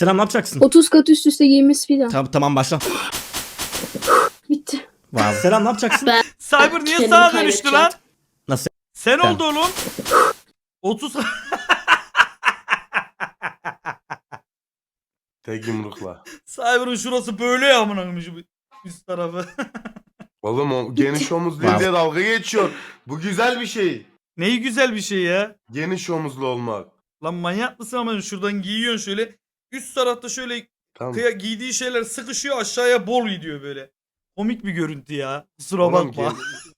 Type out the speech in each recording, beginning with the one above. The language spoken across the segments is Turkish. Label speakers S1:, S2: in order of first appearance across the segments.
S1: Selam, ne yapacaksın?
S2: 30 kat üst üste giymesi filan.
S1: Tamam başla.
S2: Bitti.
S1: Wow. Selam, ne yapacaksın?
S2: Ben
S3: Cyber niye
S2: kendimi
S3: sağa dönüştü lan?
S1: Nasıl?
S3: Sen
S1: Ben.
S3: oldu oğlum. 30
S4: Tek yumrukla.
S3: Cyber'ın şurası böyle ya amına koyayım şu üst tarafı.
S4: Oğlum o geniş omuzlu
S1: Wow.
S4: diye dalga geçiyor. Bu güzel bir şey.
S3: Neyi güzel bir şey ya.
S4: Geniş omuzlu olmak.
S3: Lan manyak mısın ama şuradan giyiyorsun şöyle. Üst tarafta şöyle
S4: Tamam.
S3: giydiği şeyler sıkışıyor aşağıya bol gidiyor böyle. Komik bir görüntü ya. Kusura
S4: Oğlum,
S3: bakma.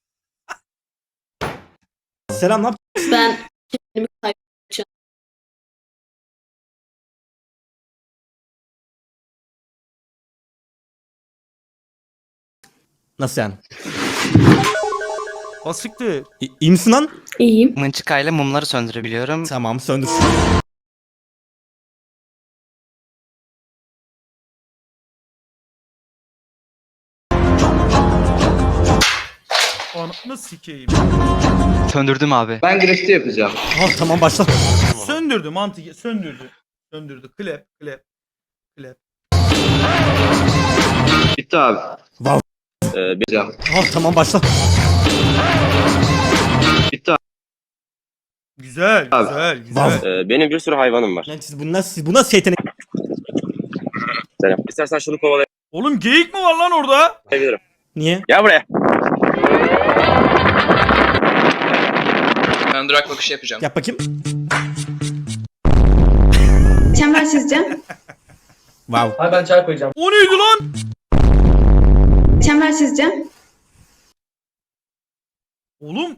S1: Selam, ne yapacaksın?
S2: Ben kendimi kaybedeceğim.
S1: Nasıl yani?
S3: Basiktir.
S1: İyi misin lan?
S2: İyiyim.
S5: Mınçıkayla mumları söndürebiliyorum.
S1: Tamam, söndür.
S3: Anasını sikeyim.
S5: Söndürdüm abi.
S6: Ben grafiti yapacağım.
S1: Tamam başla.
S3: Söndürdü mantık. Söndürdü. Söndürdü. Klep.
S6: Bitti abi.
S1: Wow.
S6: Yapacağım.
S1: Tamam başla.
S6: Bitti abi.
S3: Güzel.
S6: Abi.
S3: Güzel.
S7: Benim bir sürü hayvanım var.
S1: Lan bu nasıl yetenek?
S7: Selam. İstersen şunu kovalayabilirim.
S3: Oğlum geyik mi var lan orada?
S1: Niye?
S7: Gel buraya.
S6: Ben durak bakışı yapacağım.
S1: Yap bakayım.
S2: Çember çizeceğim.
S1: Wow.
S6: Abi ben çay koyacağım.
S3: O neydi lan?
S2: Çember çizeceğim.
S3: Oğlum.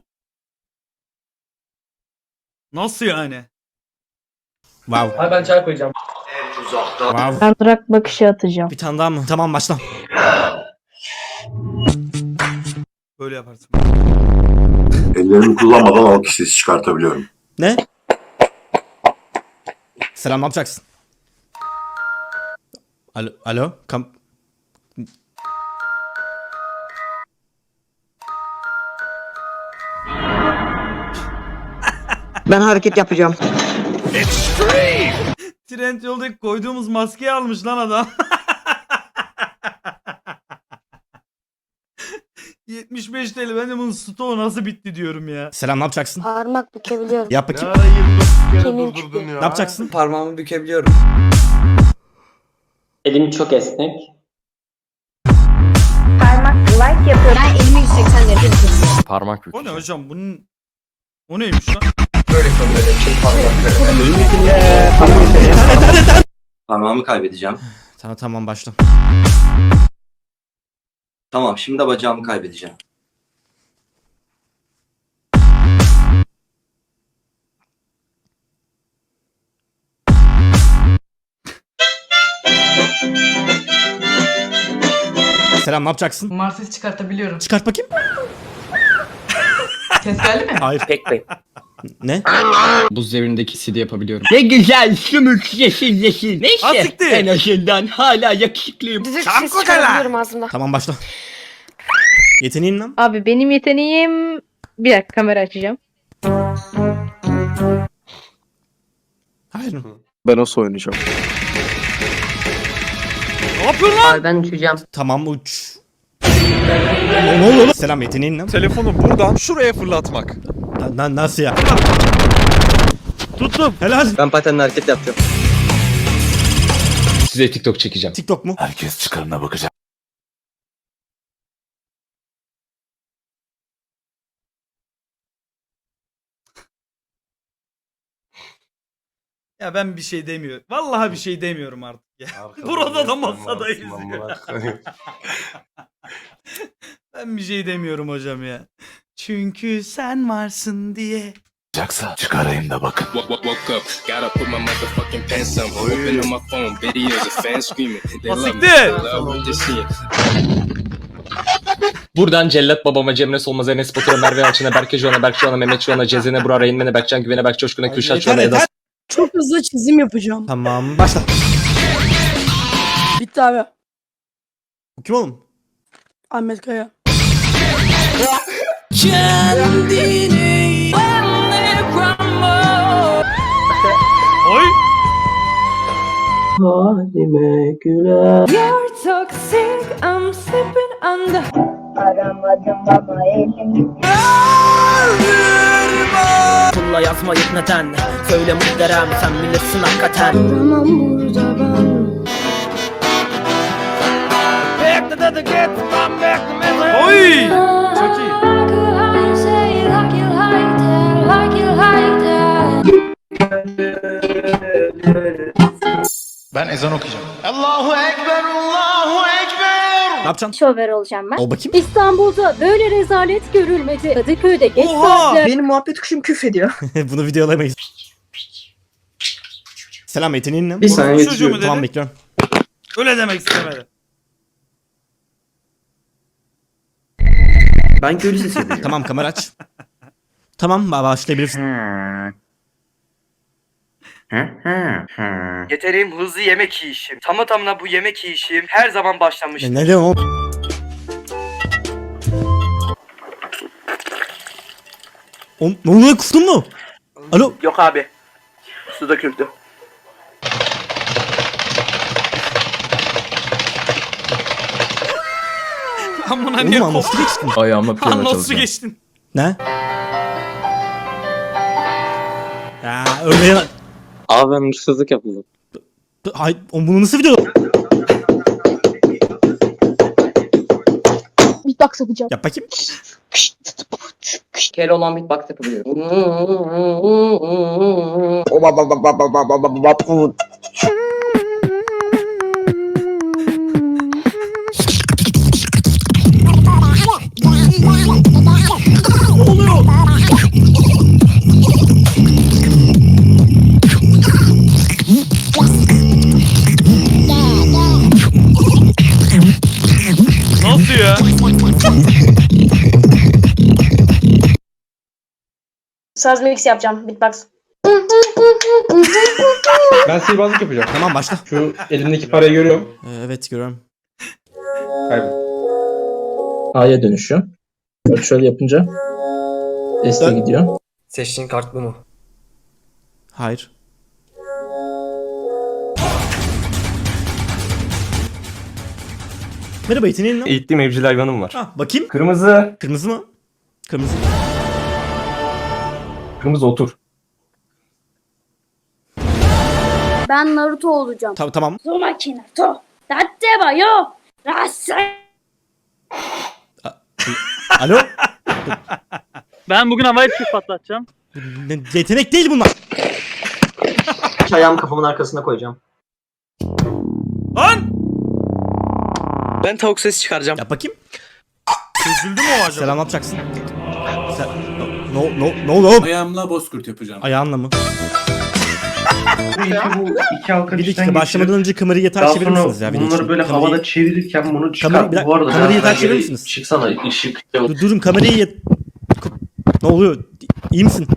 S3: Nasıl yani?
S1: Wow.
S6: Abi ben çay koyacağım.
S1: Wow.
S8: Ben durak bakışı atacağım.
S1: Bir tane daha mı? Tamam başla.
S3: Böyle yaparsın.
S9: Ellerimi kullanmadan alkış sesi çıkartabiliyorum.
S1: Ne? Selam, ne yapacaksın? Alo?
S10: Ben hareket yapacağım.
S3: Trend yoldaki koyduğumuz maskeyi almış lan adam. 75 TL ben de bunun stoğu nasıl bitti diyorum ya.
S1: Selam, ne yapacaksın?
S8: Parmak bükebiliyorum.
S1: Yap
S4: Ne
S1: bakayım.
S4: ara 29 kere
S8: Kemik
S4: durdurdun
S8: çıkıyor.
S4: ya.
S1: Ne yapacaksın?
S6: Parmağımı bükebiliyorum.
S7: Elim çok esnek.
S8: Parmak like yapıyorum. Ben elimi 180 derece tutuyorum.
S6: Parmak
S3: O ne hocam bunun... O neymiş lan?
S6: Böyle böyle şey
S9: Parmağımı kaybedeceğim.
S1: Tamam başla.
S9: Tamam, şimdi de bacağımı kaybedeceğim.
S1: Selam, ne yapacaksın?
S10: Marsis çıkartabiliyorum.
S1: Çıkart bakayım.
S10: Ses geldi mi?
S1: Hayır.
S7: Pek.
S1: Ne?
S6: Buz devrindeki CD yapabiliyorum. Ne güzel sümük yeşil yeşil. Neyse
S3: Asiktir.
S6: en azından hala yakışıklıyım.
S8: Düdük ses çıkarabiliyorum ağzımda.
S1: Tamam başla. Yeteneğin lan.
S8: Abi benim yeteneğim... Bir dakika kamera açacağım.
S1: Hayır.
S6: Ben nasıl oynayacağım?
S3: Ne yapıyorsun lan?
S10: Abi ben uçacağım.
S1: Tamam uç. Ne oluyor lan? Selam, yeteneğin lan.
S11: Telefonu buradan şuraya fırlatmak.
S1: Nasıl ya?
S3: Tuttum.
S1: Helal.
S6: Ben patenle hareket yapacağım. Size TikTok çekeceğim.
S1: TikTok mu?
S9: Herkes çıkarına bakacak.
S3: Ya ben bir şey demiyorum. Vallahi bir şey demiyorum artık ya.
S4: Arkada
S3: Burada da
S4: resmen
S3: masadayız
S4: varsın,
S3: ya.
S4: amına koyayım.
S3: Ben bir şey demiyorum hocam ya. Çünkü sen varsın diye.
S9: Çıkacaksa çıkarayım da bakın.
S3: Basiktir.
S6: Buradan Cellat babama, Cemre Solmaz'a, Enes Batur'a, Merve Yalçın'a, Berke Joğan'a, Berk Joğan'a, Mehmet Joğan'a, Cezene Burak'a, Reynmen'e, Berkcan Güven'e, Berk Coşkun'a, Kürşat Joğan'a, Eda
S10: Çok hızlı çizim yapacağım.
S1: Tamam başla.
S10: Bitti abi.
S1: Bu kim oğlum?
S10: Ahmet Kaya.
S3: Oy.
S7: halime güler.
S8: Aramadım ama elimi.
S10: Pulla yazmayıp neden? Söyle muhterem sen bilirsin hakikaten.
S2: Duramam burada ben.
S3: Oy! Çok iyi.
S11: Ben ezan okuyacağım.
S1: Ne yapacaksın?
S8: Şover olacağım ben.
S1: Ol bakayım.
S8: İstanbul'da böyle rezalet görülmedi. Kadıköy'de geç
S3: Oha!
S8: saatte.
S10: Benim muhabbet kuşum küfrediyor.
S1: Bunu videolayamayız. Selam yeteneğin ne?
S7: Bir saniye
S3: Çocuğu mu dedi?
S1: Tamam bekliyorum.
S3: Öyle demek istemedi.
S7: Ben köylü sesi yapacağım.
S1: Tamam kamera aç. Tamam başlayabilirsin.
S5: Yeterim hızlı yemek yiyişim. Tamına bu yemek yiyişim her zaman başlamış.
S1: Ne diyorsun oğlum? Oğlum ne oluyor kustun mu? Alo?
S5: Yok abi. Su döküldü.
S3: Amına niye
S1: Oğlum
S3: koptu?
S1: nasıl geçtin?
S6: Ayağıma piyano
S3: Nasıl
S6: çalacağım.
S3: geçtin?
S1: Ne? Ya öyle ya.
S7: Abi ben hırsızlık yapıldım.
S1: Ay bunu nasıl video?
S2: Beatbox yapacağım.
S1: Yap bakayım.
S10: Kel olan beatbox yapabiliyorum.
S3: Nasıl ya?
S8: Saz mix yapacağım. Beatbox.
S7: Ben sihirbazlık yapacağım.
S1: Tamam başla.
S7: Şu elimdeki parayı görüyorum.
S1: Evet görüyorum.
S6: A'ya dönüşüyor. Bak şöyle yapınca S'e gidiyor.
S10: Seçtiğin kart bu mu?
S1: Hayır. Merhaba yeteneğin ne?
S7: Eğittiğim evcil hayvanım var.
S1: Ha bakayım.
S7: Kırmızı.
S1: Kırmızı mı? Kırmızı.
S7: Kırmızı otur.
S8: Ben Naruto olacağım.
S1: Tamam.
S8: Uzumaki Naruto. Datte yo. Rasai.
S1: Alo?
S5: Ben bugün havai fişek patlatacağım.
S1: Yetenek değil bunlar.
S10: Ayağımı kafamın arkasına koyacağım.
S3: Lan!
S5: Ben tavuk sesi çıkaracağım.
S1: Yap bakayım.
S3: Çözüldü mü o acaba?
S1: Selam ne yapacaksın? Ne oldu oğlum?
S11: Ayağımla bozkurt yapacağım.
S1: Ayağınla mı?
S7: Bu iki halka
S1: Bir dakika başlamadan önce kamerayı yatağa çevirir misiniz ya? Video için? Kamerayı-
S7: çevirirken bunu
S1: Kamera- bir dakika, kamerayı yatağa çevirir misiniz?
S7: Çıksana ışık.
S1: Durun kamerayı Ne oluyor? İyi misin?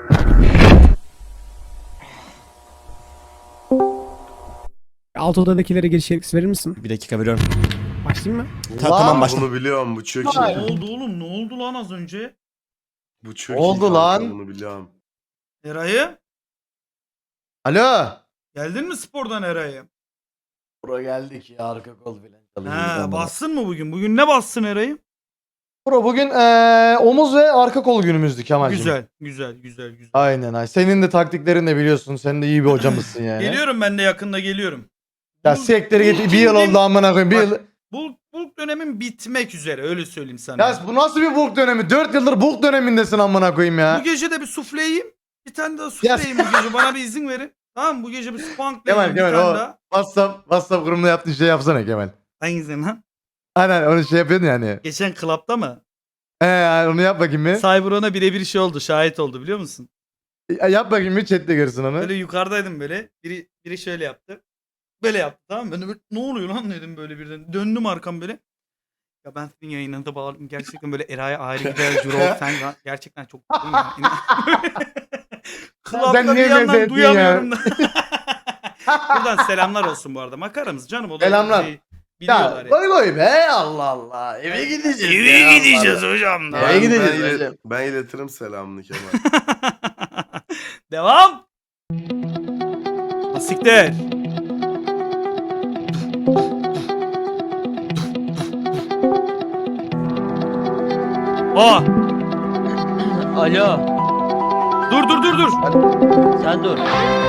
S10: Alt odadakilere giriş yetkisi verir misin?
S1: Bir dakika veriyorum.
S10: Başlayayım mı?
S1: Tamam başla.
S4: Bunu biliyorum, bu çok
S3: Ne
S4: iyi.
S3: oldu oğlum? Ne oldu lan az önce?
S4: Bu çok
S1: Oldu
S4: iyi kanka,
S1: lan.
S4: bunu biliyorum.
S3: Eray'ı?
S1: Alo.
S3: Geldin mi spordan Eray'ı?
S1: Bura geldik ya arka kol falan.
S3: Ha, bassın mı bugün? Bugün ne bassın Eray'ı?
S1: Bro bugün omuz ve arka kol günümüzdü Kemal'cim.
S3: Güzel.
S1: Aynen. Senin de taktiklerini de biliyorsun. Sen de iyi bir hocamızsın yani.
S3: Geliyorum ben de yakında geliyorum.
S1: Ya sektörü git. Bir yıl oldu amına koyayım. Bir yıl.
S3: Bulk dönemin bitmek üzere öyle söyleyeyim sana.
S1: Ya bu nasıl bir bulk dönemi? 4 yıldır bulk dönemindesin amına koyayım ya.
S3: Bu gece de bir sufle yiyeyim. Bir tane daha sufle yiyeyim bu gece. Bana bir izin verin. Tamam mı? Bu gece bir spankla
S1: Kemal
S3: yiyeyim bir tane daha.
S1: WhatsApp grubunda yaptığın şey yapsana Kemal.
S3: Hangisi lan?
S1: Aynen onu şey yapıyordun yani.
S3: Geçen klapta mı?
S1: Onu yap bakayım bir.
S3: Cyberon'a birebir şey oldu. Şahit oldu biliyor musun?
S1: Yap bakayım bir chatte görsün onu.
S3: Böyle yukarıdaydım böyle. Biri şöyle yaptı. Böyle yaptı tamam mı? Ben de böyle, ne oluyor lan dedim böyle birden. Döndüm arkam böyle. Ya ben senin yayınlarında bağladım. Gerçekten böyle Eray'a ayrı gider. Jurol sen gerçekten çok mutluyum ya. Klapta bir yandan duyamıyorum da. Buradan selamlar olsun bu arada. Makaramız canım. O da
S1: Selamlar.
S3: biliyorlar ya.
S1: Koy be Allah Allah. Eve gideceğiz.
S3: Eve gideceğiz hocam. da.
S1: Eve gideceğiz.
S4: Ben iletirim selamını Kemal.
S3: Devam. Asiktir. Aa
S10: Alo.
S3: dur.
S10: Sen dur.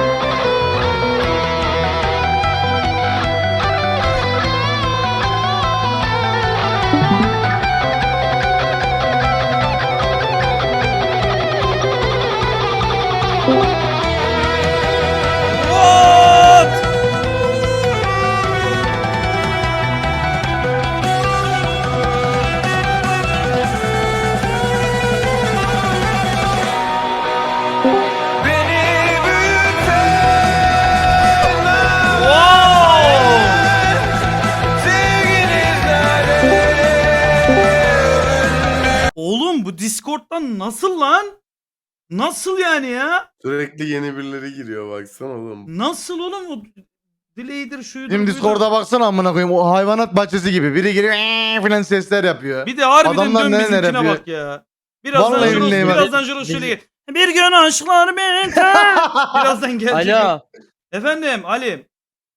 S3: What? Oğlum bu Discord'dan nasıl lan? Nasıl yani ya?
S4: Sürekli yeni birileri giriyor baksana oğlum.
S3: Nasıl oğlum o delay'dir şuydur.
S1: Şimdi
S3: buydur.
S1: Discord'a baksana amına koyayım. O hayvanat bahçesi gibi. Biri giriyor falan sesler yapıyor.
S3: Bir de harbiden
S1: Adamlar
S3: dön
S1: neler
S3: bizimkine
S1: yapıyor?
S3: bak ya. Birazdan
S1: Vallahi
S3: Juros,
S1: billahi bak.
S3: birazdan Juros şöyle gel. Bir gün aşklar biter. Birazdan gelecek.
S10: Alo.
S3: Efendim Ali.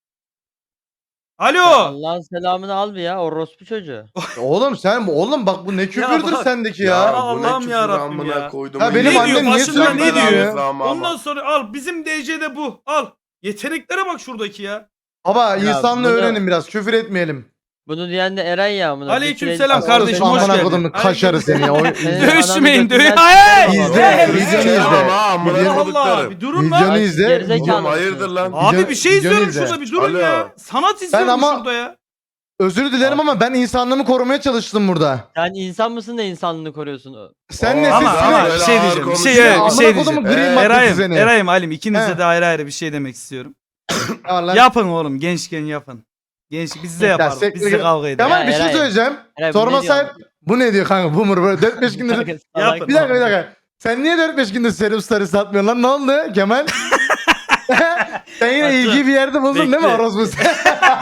S3: Alo.
S10: Allah'ın selamını al bir ya orospu çocuğu.
S1: Oğlum bak bu ne küfürdür
S3: bak.
S1: sendeki
S3: Ya
S1: ya.
S4: bu ne
S3: Allah'ım
S4: küfür
S3: yarabbim
S4: amına
S3: ya.
S4: koydum.
S1: Ha, benim
S3: Ne
S1: annem
S3: diyor?
S1: niye
S3: Başında
S1: sürekli
S3: ne diyor?
S4: Ama.
S3: Ondan sonra al bizim DC'de bu. Al. Yeteneklere bak şuradaki ya.
S1: Baba
S10: Ya
S1: insanla
S10: bunu-
S1: öğrenin biraz. Küfür etmeyelim.
S10: Bunu diyen de Eren ya amına.
S3: Aleykümselam
S10: Bir
S3: kardeşim, hoş
S1: Amına
S3: geldin.
S1: kodumun kaşarı seni ya.
S3: Dövüşmeyin,
S10: dövüş.
S1: İzle, videonu izle.
S3: Allah Allah bir durun lan.
S1: Videonu izle.
S10: Gerizekalı.
S4: Oğlum hayırdır lan?
S3: Abi bir şey
S1: Videonu
S3: izliyorum
S1: izle.
S3: şurada bir durun
S4: Alo.
S3: ya. Sanat izliyorum
S1: ama-
S3: şurada ya.
S1: Özür dilerim ama ben insanlığımı korumaya çalıştım burada.
S10: Sen insan mısın da insanlığını koruyorsun?
S1: Sen
S4: Aa,
S1: nesin?
S3: Ama
S1: Sen-
S3: bir şey diyeceğim. Bir şey,
S4: konuşuyor.
S3: evet, bir
S1: Amına
S3: şey
S1: kodumun
S3: diyeceğim.
S1: green maddesi
S3: Eray'ım,
S1: seni.
S3: Eray'ım, Halim ikinize
S1: He.
S3: de ayrı ayrı bir şey demek istiyorum.
S1: Ya lan.
S3: Yapın oğlum gençken yapın. Genç biz de yaparız.
S1: sektir
S3: Biz de
S1: git.
S3: kavga ederiz.
S1: Kemal
S10: Ya,
S1: bir şey
S10: Eray.
S1: söyleyeceğim.
S10: Eray, bu
S1: Sorma
S10: ne diyor?
S1: sahip. Bu ne diyor kanka? Boomer böyle 4-5 gündür.
S3: Yapın.
S1: Bir dakika. Sen niye 4-5 gündür serum starı satmıyorsun lan? Ne oldu Kemal? Sen yine
S3: Haklı.
S1: ilgi bir yerde buldun değil mi
S3: Bekle.
S1: orospu sen?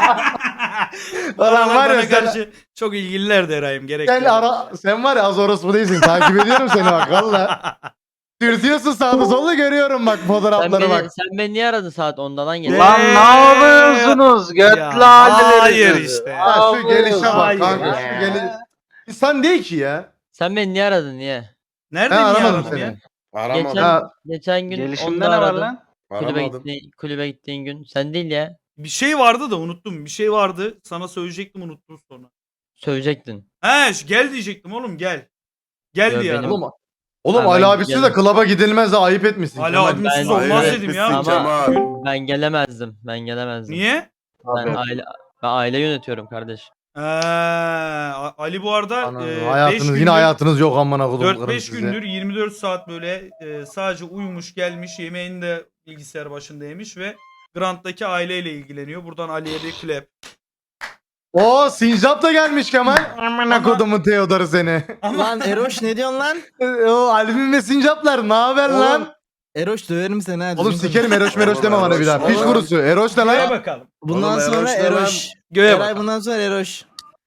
S3: Ulan
S1: var ya
S3: bana
S1: sen-
S3: karşı çok ilgililerdi Eray'ım gerek
S1: Sen,
S3: yok.
S1: sen var ya az orospu değilsin. Takip ediyorum seni bak valla. Dürtüyorsun sağda solda görüyorum bak
S10: Sen
S1: fotoğraflara bak.
S10: beni niye aradın saat 10'da lan gel.
S3: Lan ne yapıyorsunuz? Hayır işte.
S1: Ha, şu gelişe bak
S3: Hayır.
S1: kanka. Şu geliş... İnsan değil ki ya.
S10: Sen beni niye aradın niye?
S3: Nerede
S1: Ben
S3: niye
S1: aramadım
S3: aradım
S1: seni.
S3: ya?
S4: Aramadım.
S10: Geçen,
S1: Ha.
S10: geçen gün
S5: Gelişimde
S10: onda
S5: ne var
S10: aradın.
S5: lan?
S4: Aramadım.
S10: Kulübe gittiğin gün. Sen değil ya.
S3: Bir şey vardı da unuttum. Bir şey vardı. Sana söyleyecektim unuttum sonra.
S10: Söyleyecektin.
S3: He gel diyecektim oğlum gel. Gel
S10: Yo,
S3: diye
S10: benim-
S3: aradım.
S1: Oğlum
S10: Ha,
S1: Ali
S10: ben
S1: abisi de
S10: geldim.
S1: klaba gidilmez de ayıp etmişsin.
S3: Ali
S1: Kemal.
S3: abimsiz
S10: Ben-
S3: olmaz
S4: Hayır,
S3: dedim ya.
S4: etmişsin
S10: Ama-
S4: Kemal.
S10: Ben gelemezdim.
S3: Niye?
S10: Ben aile yönetiyorum kardeş.
S3: Ali bu arada
S1: Anam,
S3: 5
S1: hayatınız
S3: gündür,
S1: yine hayatınız yok amına kodum.
S3: 4-5 gündür 24 saat böyle sadece uyumuş gelmiş yemeğini de bilgisayar başında yemiş ve Grant'taki aileyle ilgileniyor. Buradan Ali'ye bir klep.
S1: Oo Sincap da gelmiş Kemal. Amına kodumun Theodor'u seni.
S12: Lan Eroş ne diyorsun lan?
S1: O albüm ve Sincaplar ne haber lan?
S12: Eroş döverim seni ha.
S1: Oğlum
S12: düzgün
S1: sikerim
S12: konuş.
S1: Eroş meroş deme bana bir daha. Piç kurusu. Eroş ne
S3: Göğe
S1: lan?
S3: bakalım.
S12: Bundan
S4: Oğlum,
S12: sonra
S4: Eroş ne lan?
S12: Eroş.
S3: Göğe
S12: Eray
S3: bakalım.
S12: bundan sonra Eroş.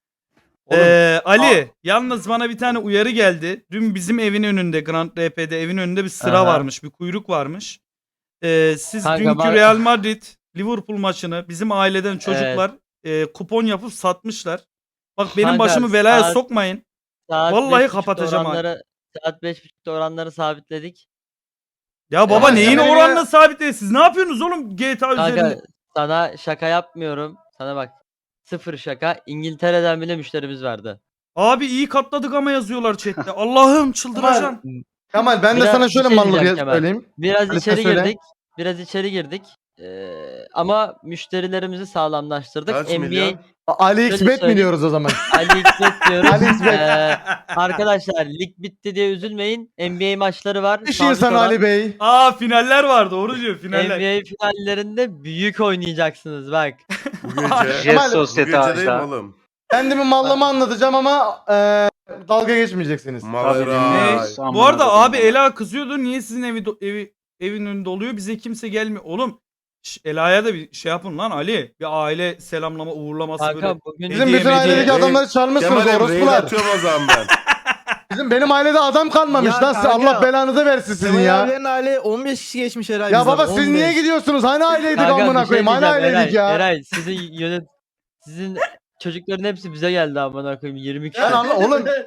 S3: Ali yalnız bana bir tane uyarı geldi. Dün bizim evin önünde Grand RP'de evin önünde bir sıra
S10: Aha.
S3: varmış. Bir kuyruk varmış. Siz
S10: Kanka,
S3: dünkü
S10: bak-
S3: Real Madrid Liverpool maçını bizim aileden çocuklar kupon yapıp satmışlar. Bak benim
S10: Kanka,
S3: başımı belaya
S10: saat-
S3: sokmayın.
S10: Saat
S3: Vallahi
S10: 5.30'da
S3: kapatacağım ha.
S10: Saat 5.30'da oranları sabitledik.
S3: Ya baba
S10: Ya,
S3: neyin
S10: ya.
S3: oranla sabitleyin? Siz ne yapıyorsunuz oğlum GTA
S10: Kanka
S3: üzerinde?
S10: sana şaka yapmıyorum. Sana bak. Sıfır şaka. İngiltere'den bile müşterimiz vardı.
S3: Abi iyi katladık ama yazıyorlar chatte. Allah'ım çıldıracağım.
S1: Kemal ben de
S10: Biraz
S1: sana
S10: bir
S1: şöyle
S10: şey
S1: mallık
S10: diyeceğim Kemal.
S1: söyleyeyim.
S10: Biraz
S1: Hadi
S10: içeri
S1: sen söyle.
S10: girdik. Biraz içeri girdik. Ama müşterilerimizi sağlamlaştırdık.
S4: Kaç
S10: NBA
S4: milyon?
S1: AliExbet mi
S10: söyleyeyim.
S1: diyoruz o zaman?
S10: AliExbet diyoruz.
S1: AliExbet.
S10: Arkadaşlar lig bitti diye üzülmeyin. NBA maçları var.
S1: İş
S10: Sabit
S1: insanı
S10: olan
S1: Ali Bey.
S3: Aa finaller var doğru diyor finaller.
S10: NBA finallerinde büyük oynayacaksınız bak.
S4: Bu gece.
S1: Kemal,
S4: Bu gece değil mi oğlum?
S1: Kendimi mallama anlatacağım ama dalga geçmeyeceksiniz.
S4: Maleray.
S3: Bu arada abi Ela kızıyordu. Niye sizin evin önünde oluyor? Bize kimse gelmiyor. Oğlum Ela'ya da bir şey yapın lan Ali. Bir aile selamlama uğurlaması böyle.
S10: Kanka bugün
S1: Bizim
S3: Hediye
S1: bütün ailedeki
S3: hediye.
S1: adamları çalmışsınız
S4: Kemal'im rail
S1: orospular.
S4: atıyorum o zaman ben.
S1: Benim ailede adam kalmamış
S12: Ya
S1: lan.
S12: kanka,
S1: Allah belanızı versin sizin
S12: Kemal
S1: ya.
S12: abilerin aile 15 kişi geçmiş Eray
S1: Ya
S12: bizden,
S1: baba siz
S12: 15.
S1: niye gidiyorsunuz? Hani aileydik
S10: Kanka,
S1: amına
S10: bir şey
S1: koyayım. Hani
S10: diyeceğim,
S1: aileydik ya.
S10: Eray sizin çocukların hepsi bize geldi amına koyayım 20 kişi.
S1: Ben anla oğlum.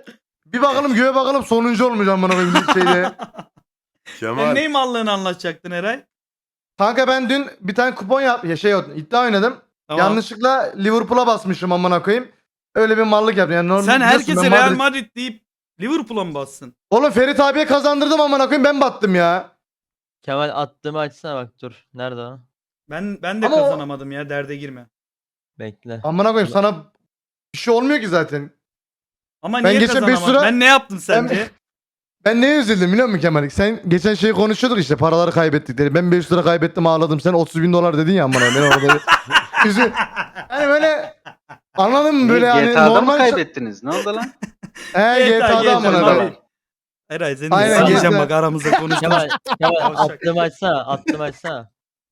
S1: Bir bakalım göğe bakalım sonuncu olmayacağım bana bir şeyde.
S3: Sen
S4: Kemal.
S3: ney mallığını anlatacaktın Eray?
S1: Kanka ben dün bir tane kupon iddia oynadım.
S3: Tamam.
S1: Yanlışlıkla Liverpool'a basmışım amına koyayım. Öyle bir mallık yaptım. Yani
S3: Sen
S1: biliyorsun
S3: herkese
S1: ben
S3: Real
S1: Madrid-
S3: Madrid deyip Liverpool'a mı bassın?
S1: Oğlum Ferit abiye kazandırdım amına koyayım ben battım ya.
S10: Kemal attığımı açsana bak dur. Nerede o?
S3: Ben de
S1: Ama o-
S3: kazanamadım ya, derde girme.
S10: Bekle.
S1: Amına koyayım sana bir şey olmuyor ki zaten.
S3: Ama
S1: Ben
S3: niye
S1: geçen beş
S3: kazanamadın?
S1: lira-
S3: Ben ne yaptım sence?
S1: Ben neye üzüldüm biliyor musun Kemal? Sen geçen şeyi konuşuyorduk işte paraları kaybettik dedi. Ben 500 lira kaybettim ağladım. Sen 30 bin dolar dedin ya amına ben orada. Hani böyle anladın mı böyle hani normal.
S7: kaybettiniz? Ne oldu lan?
S1: GTA'da amına koyayım.
S3: Eray seni de
S1: Aynen,
S3: sileceğim
S1: geçen-
S3: bak aramızda konuşma.
S10: Kemal
S3: Yavşak.
S10: attığımı açsana. Attığımı açsana.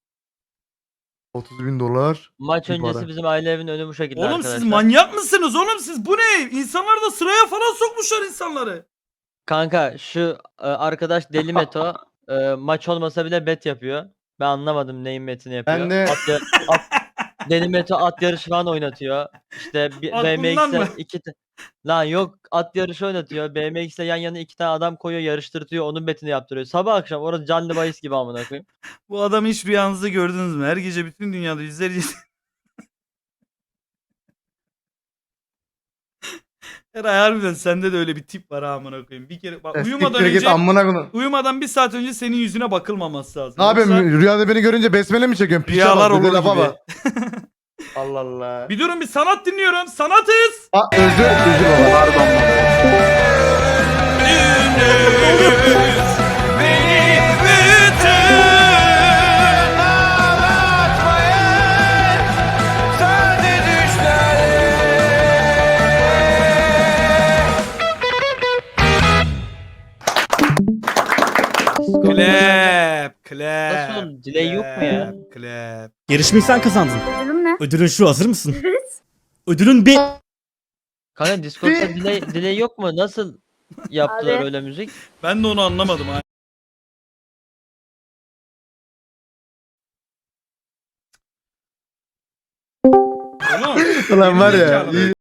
S1: 30 bin dolar.
S10: Maç
S1: Bir
S10: öncesi
S1: para.
S10: bizim aile evinin önü bu şekilde
S3: Oğlum
S10: arkadaşlar.
S3: siz manyak mısınız oğlum siz? Bu ne? İnsanlar da sıraya falan sokmuşlar insanları.
S10: Kanka şu arkadaş Deli Meto maç olmasa bile bet yapıyor. Ben anlamadım neyin betini yapıyor.
S1: Ben de-
S10: Deli Meto at yarışı falan oynatıyor. İşte
S3: Aklından mı?
S10: BMX'e lan yok at yarışı oynatıyor. BMX'le yan yana 2 tane adam koyuyor yarıştırtıyor onun betini yaptırıyor. Sabah akşam orada canlı bahis gibi amına koyayım.
S3: Bu adamı hiç rüyanızda gördünüz mü? Her gece bütün dünyada yüzlerce... Eray harbiden sende de öyle bir tip var ha amına koyayım. Bir kere bak uyumadan
S1: Siktir git
S3: önce
S1: amına koyayım.
S3: uyumadan bir saat önce senin yüzüne bakılmaması lazım.
S1: Ne yapayım
S3: Yoksa
S1: rüyada beni görünce besmele mi çekiyorsun? Piça
S3: Rüyalar
S1: bak, bir de
S3: olur
S1: lafa
S3: gibi.
S1: bak. Allah Allah.
S3: Bir durun bir sanat dinliyorum. Sanatız.
S1: Özür baba.
S3: Clap, clap.
S10: Nasıl oğlum, delay yok mu ya?
S3: Clap.
S11: Yarışmayı sen kazandın.
S2: Ödülüm ne?
S11: Ödülün şu, hazır mısın? Ödülün bir...
S10: Kanka Discord'da delay yok mu? Nasıl yaptılar
S2: Abi.
S10: öyle müzik?
S3: Ben de onu anlamadım ha. Oğlum,
S1: Ulan var ya.
S3: gerizekalı.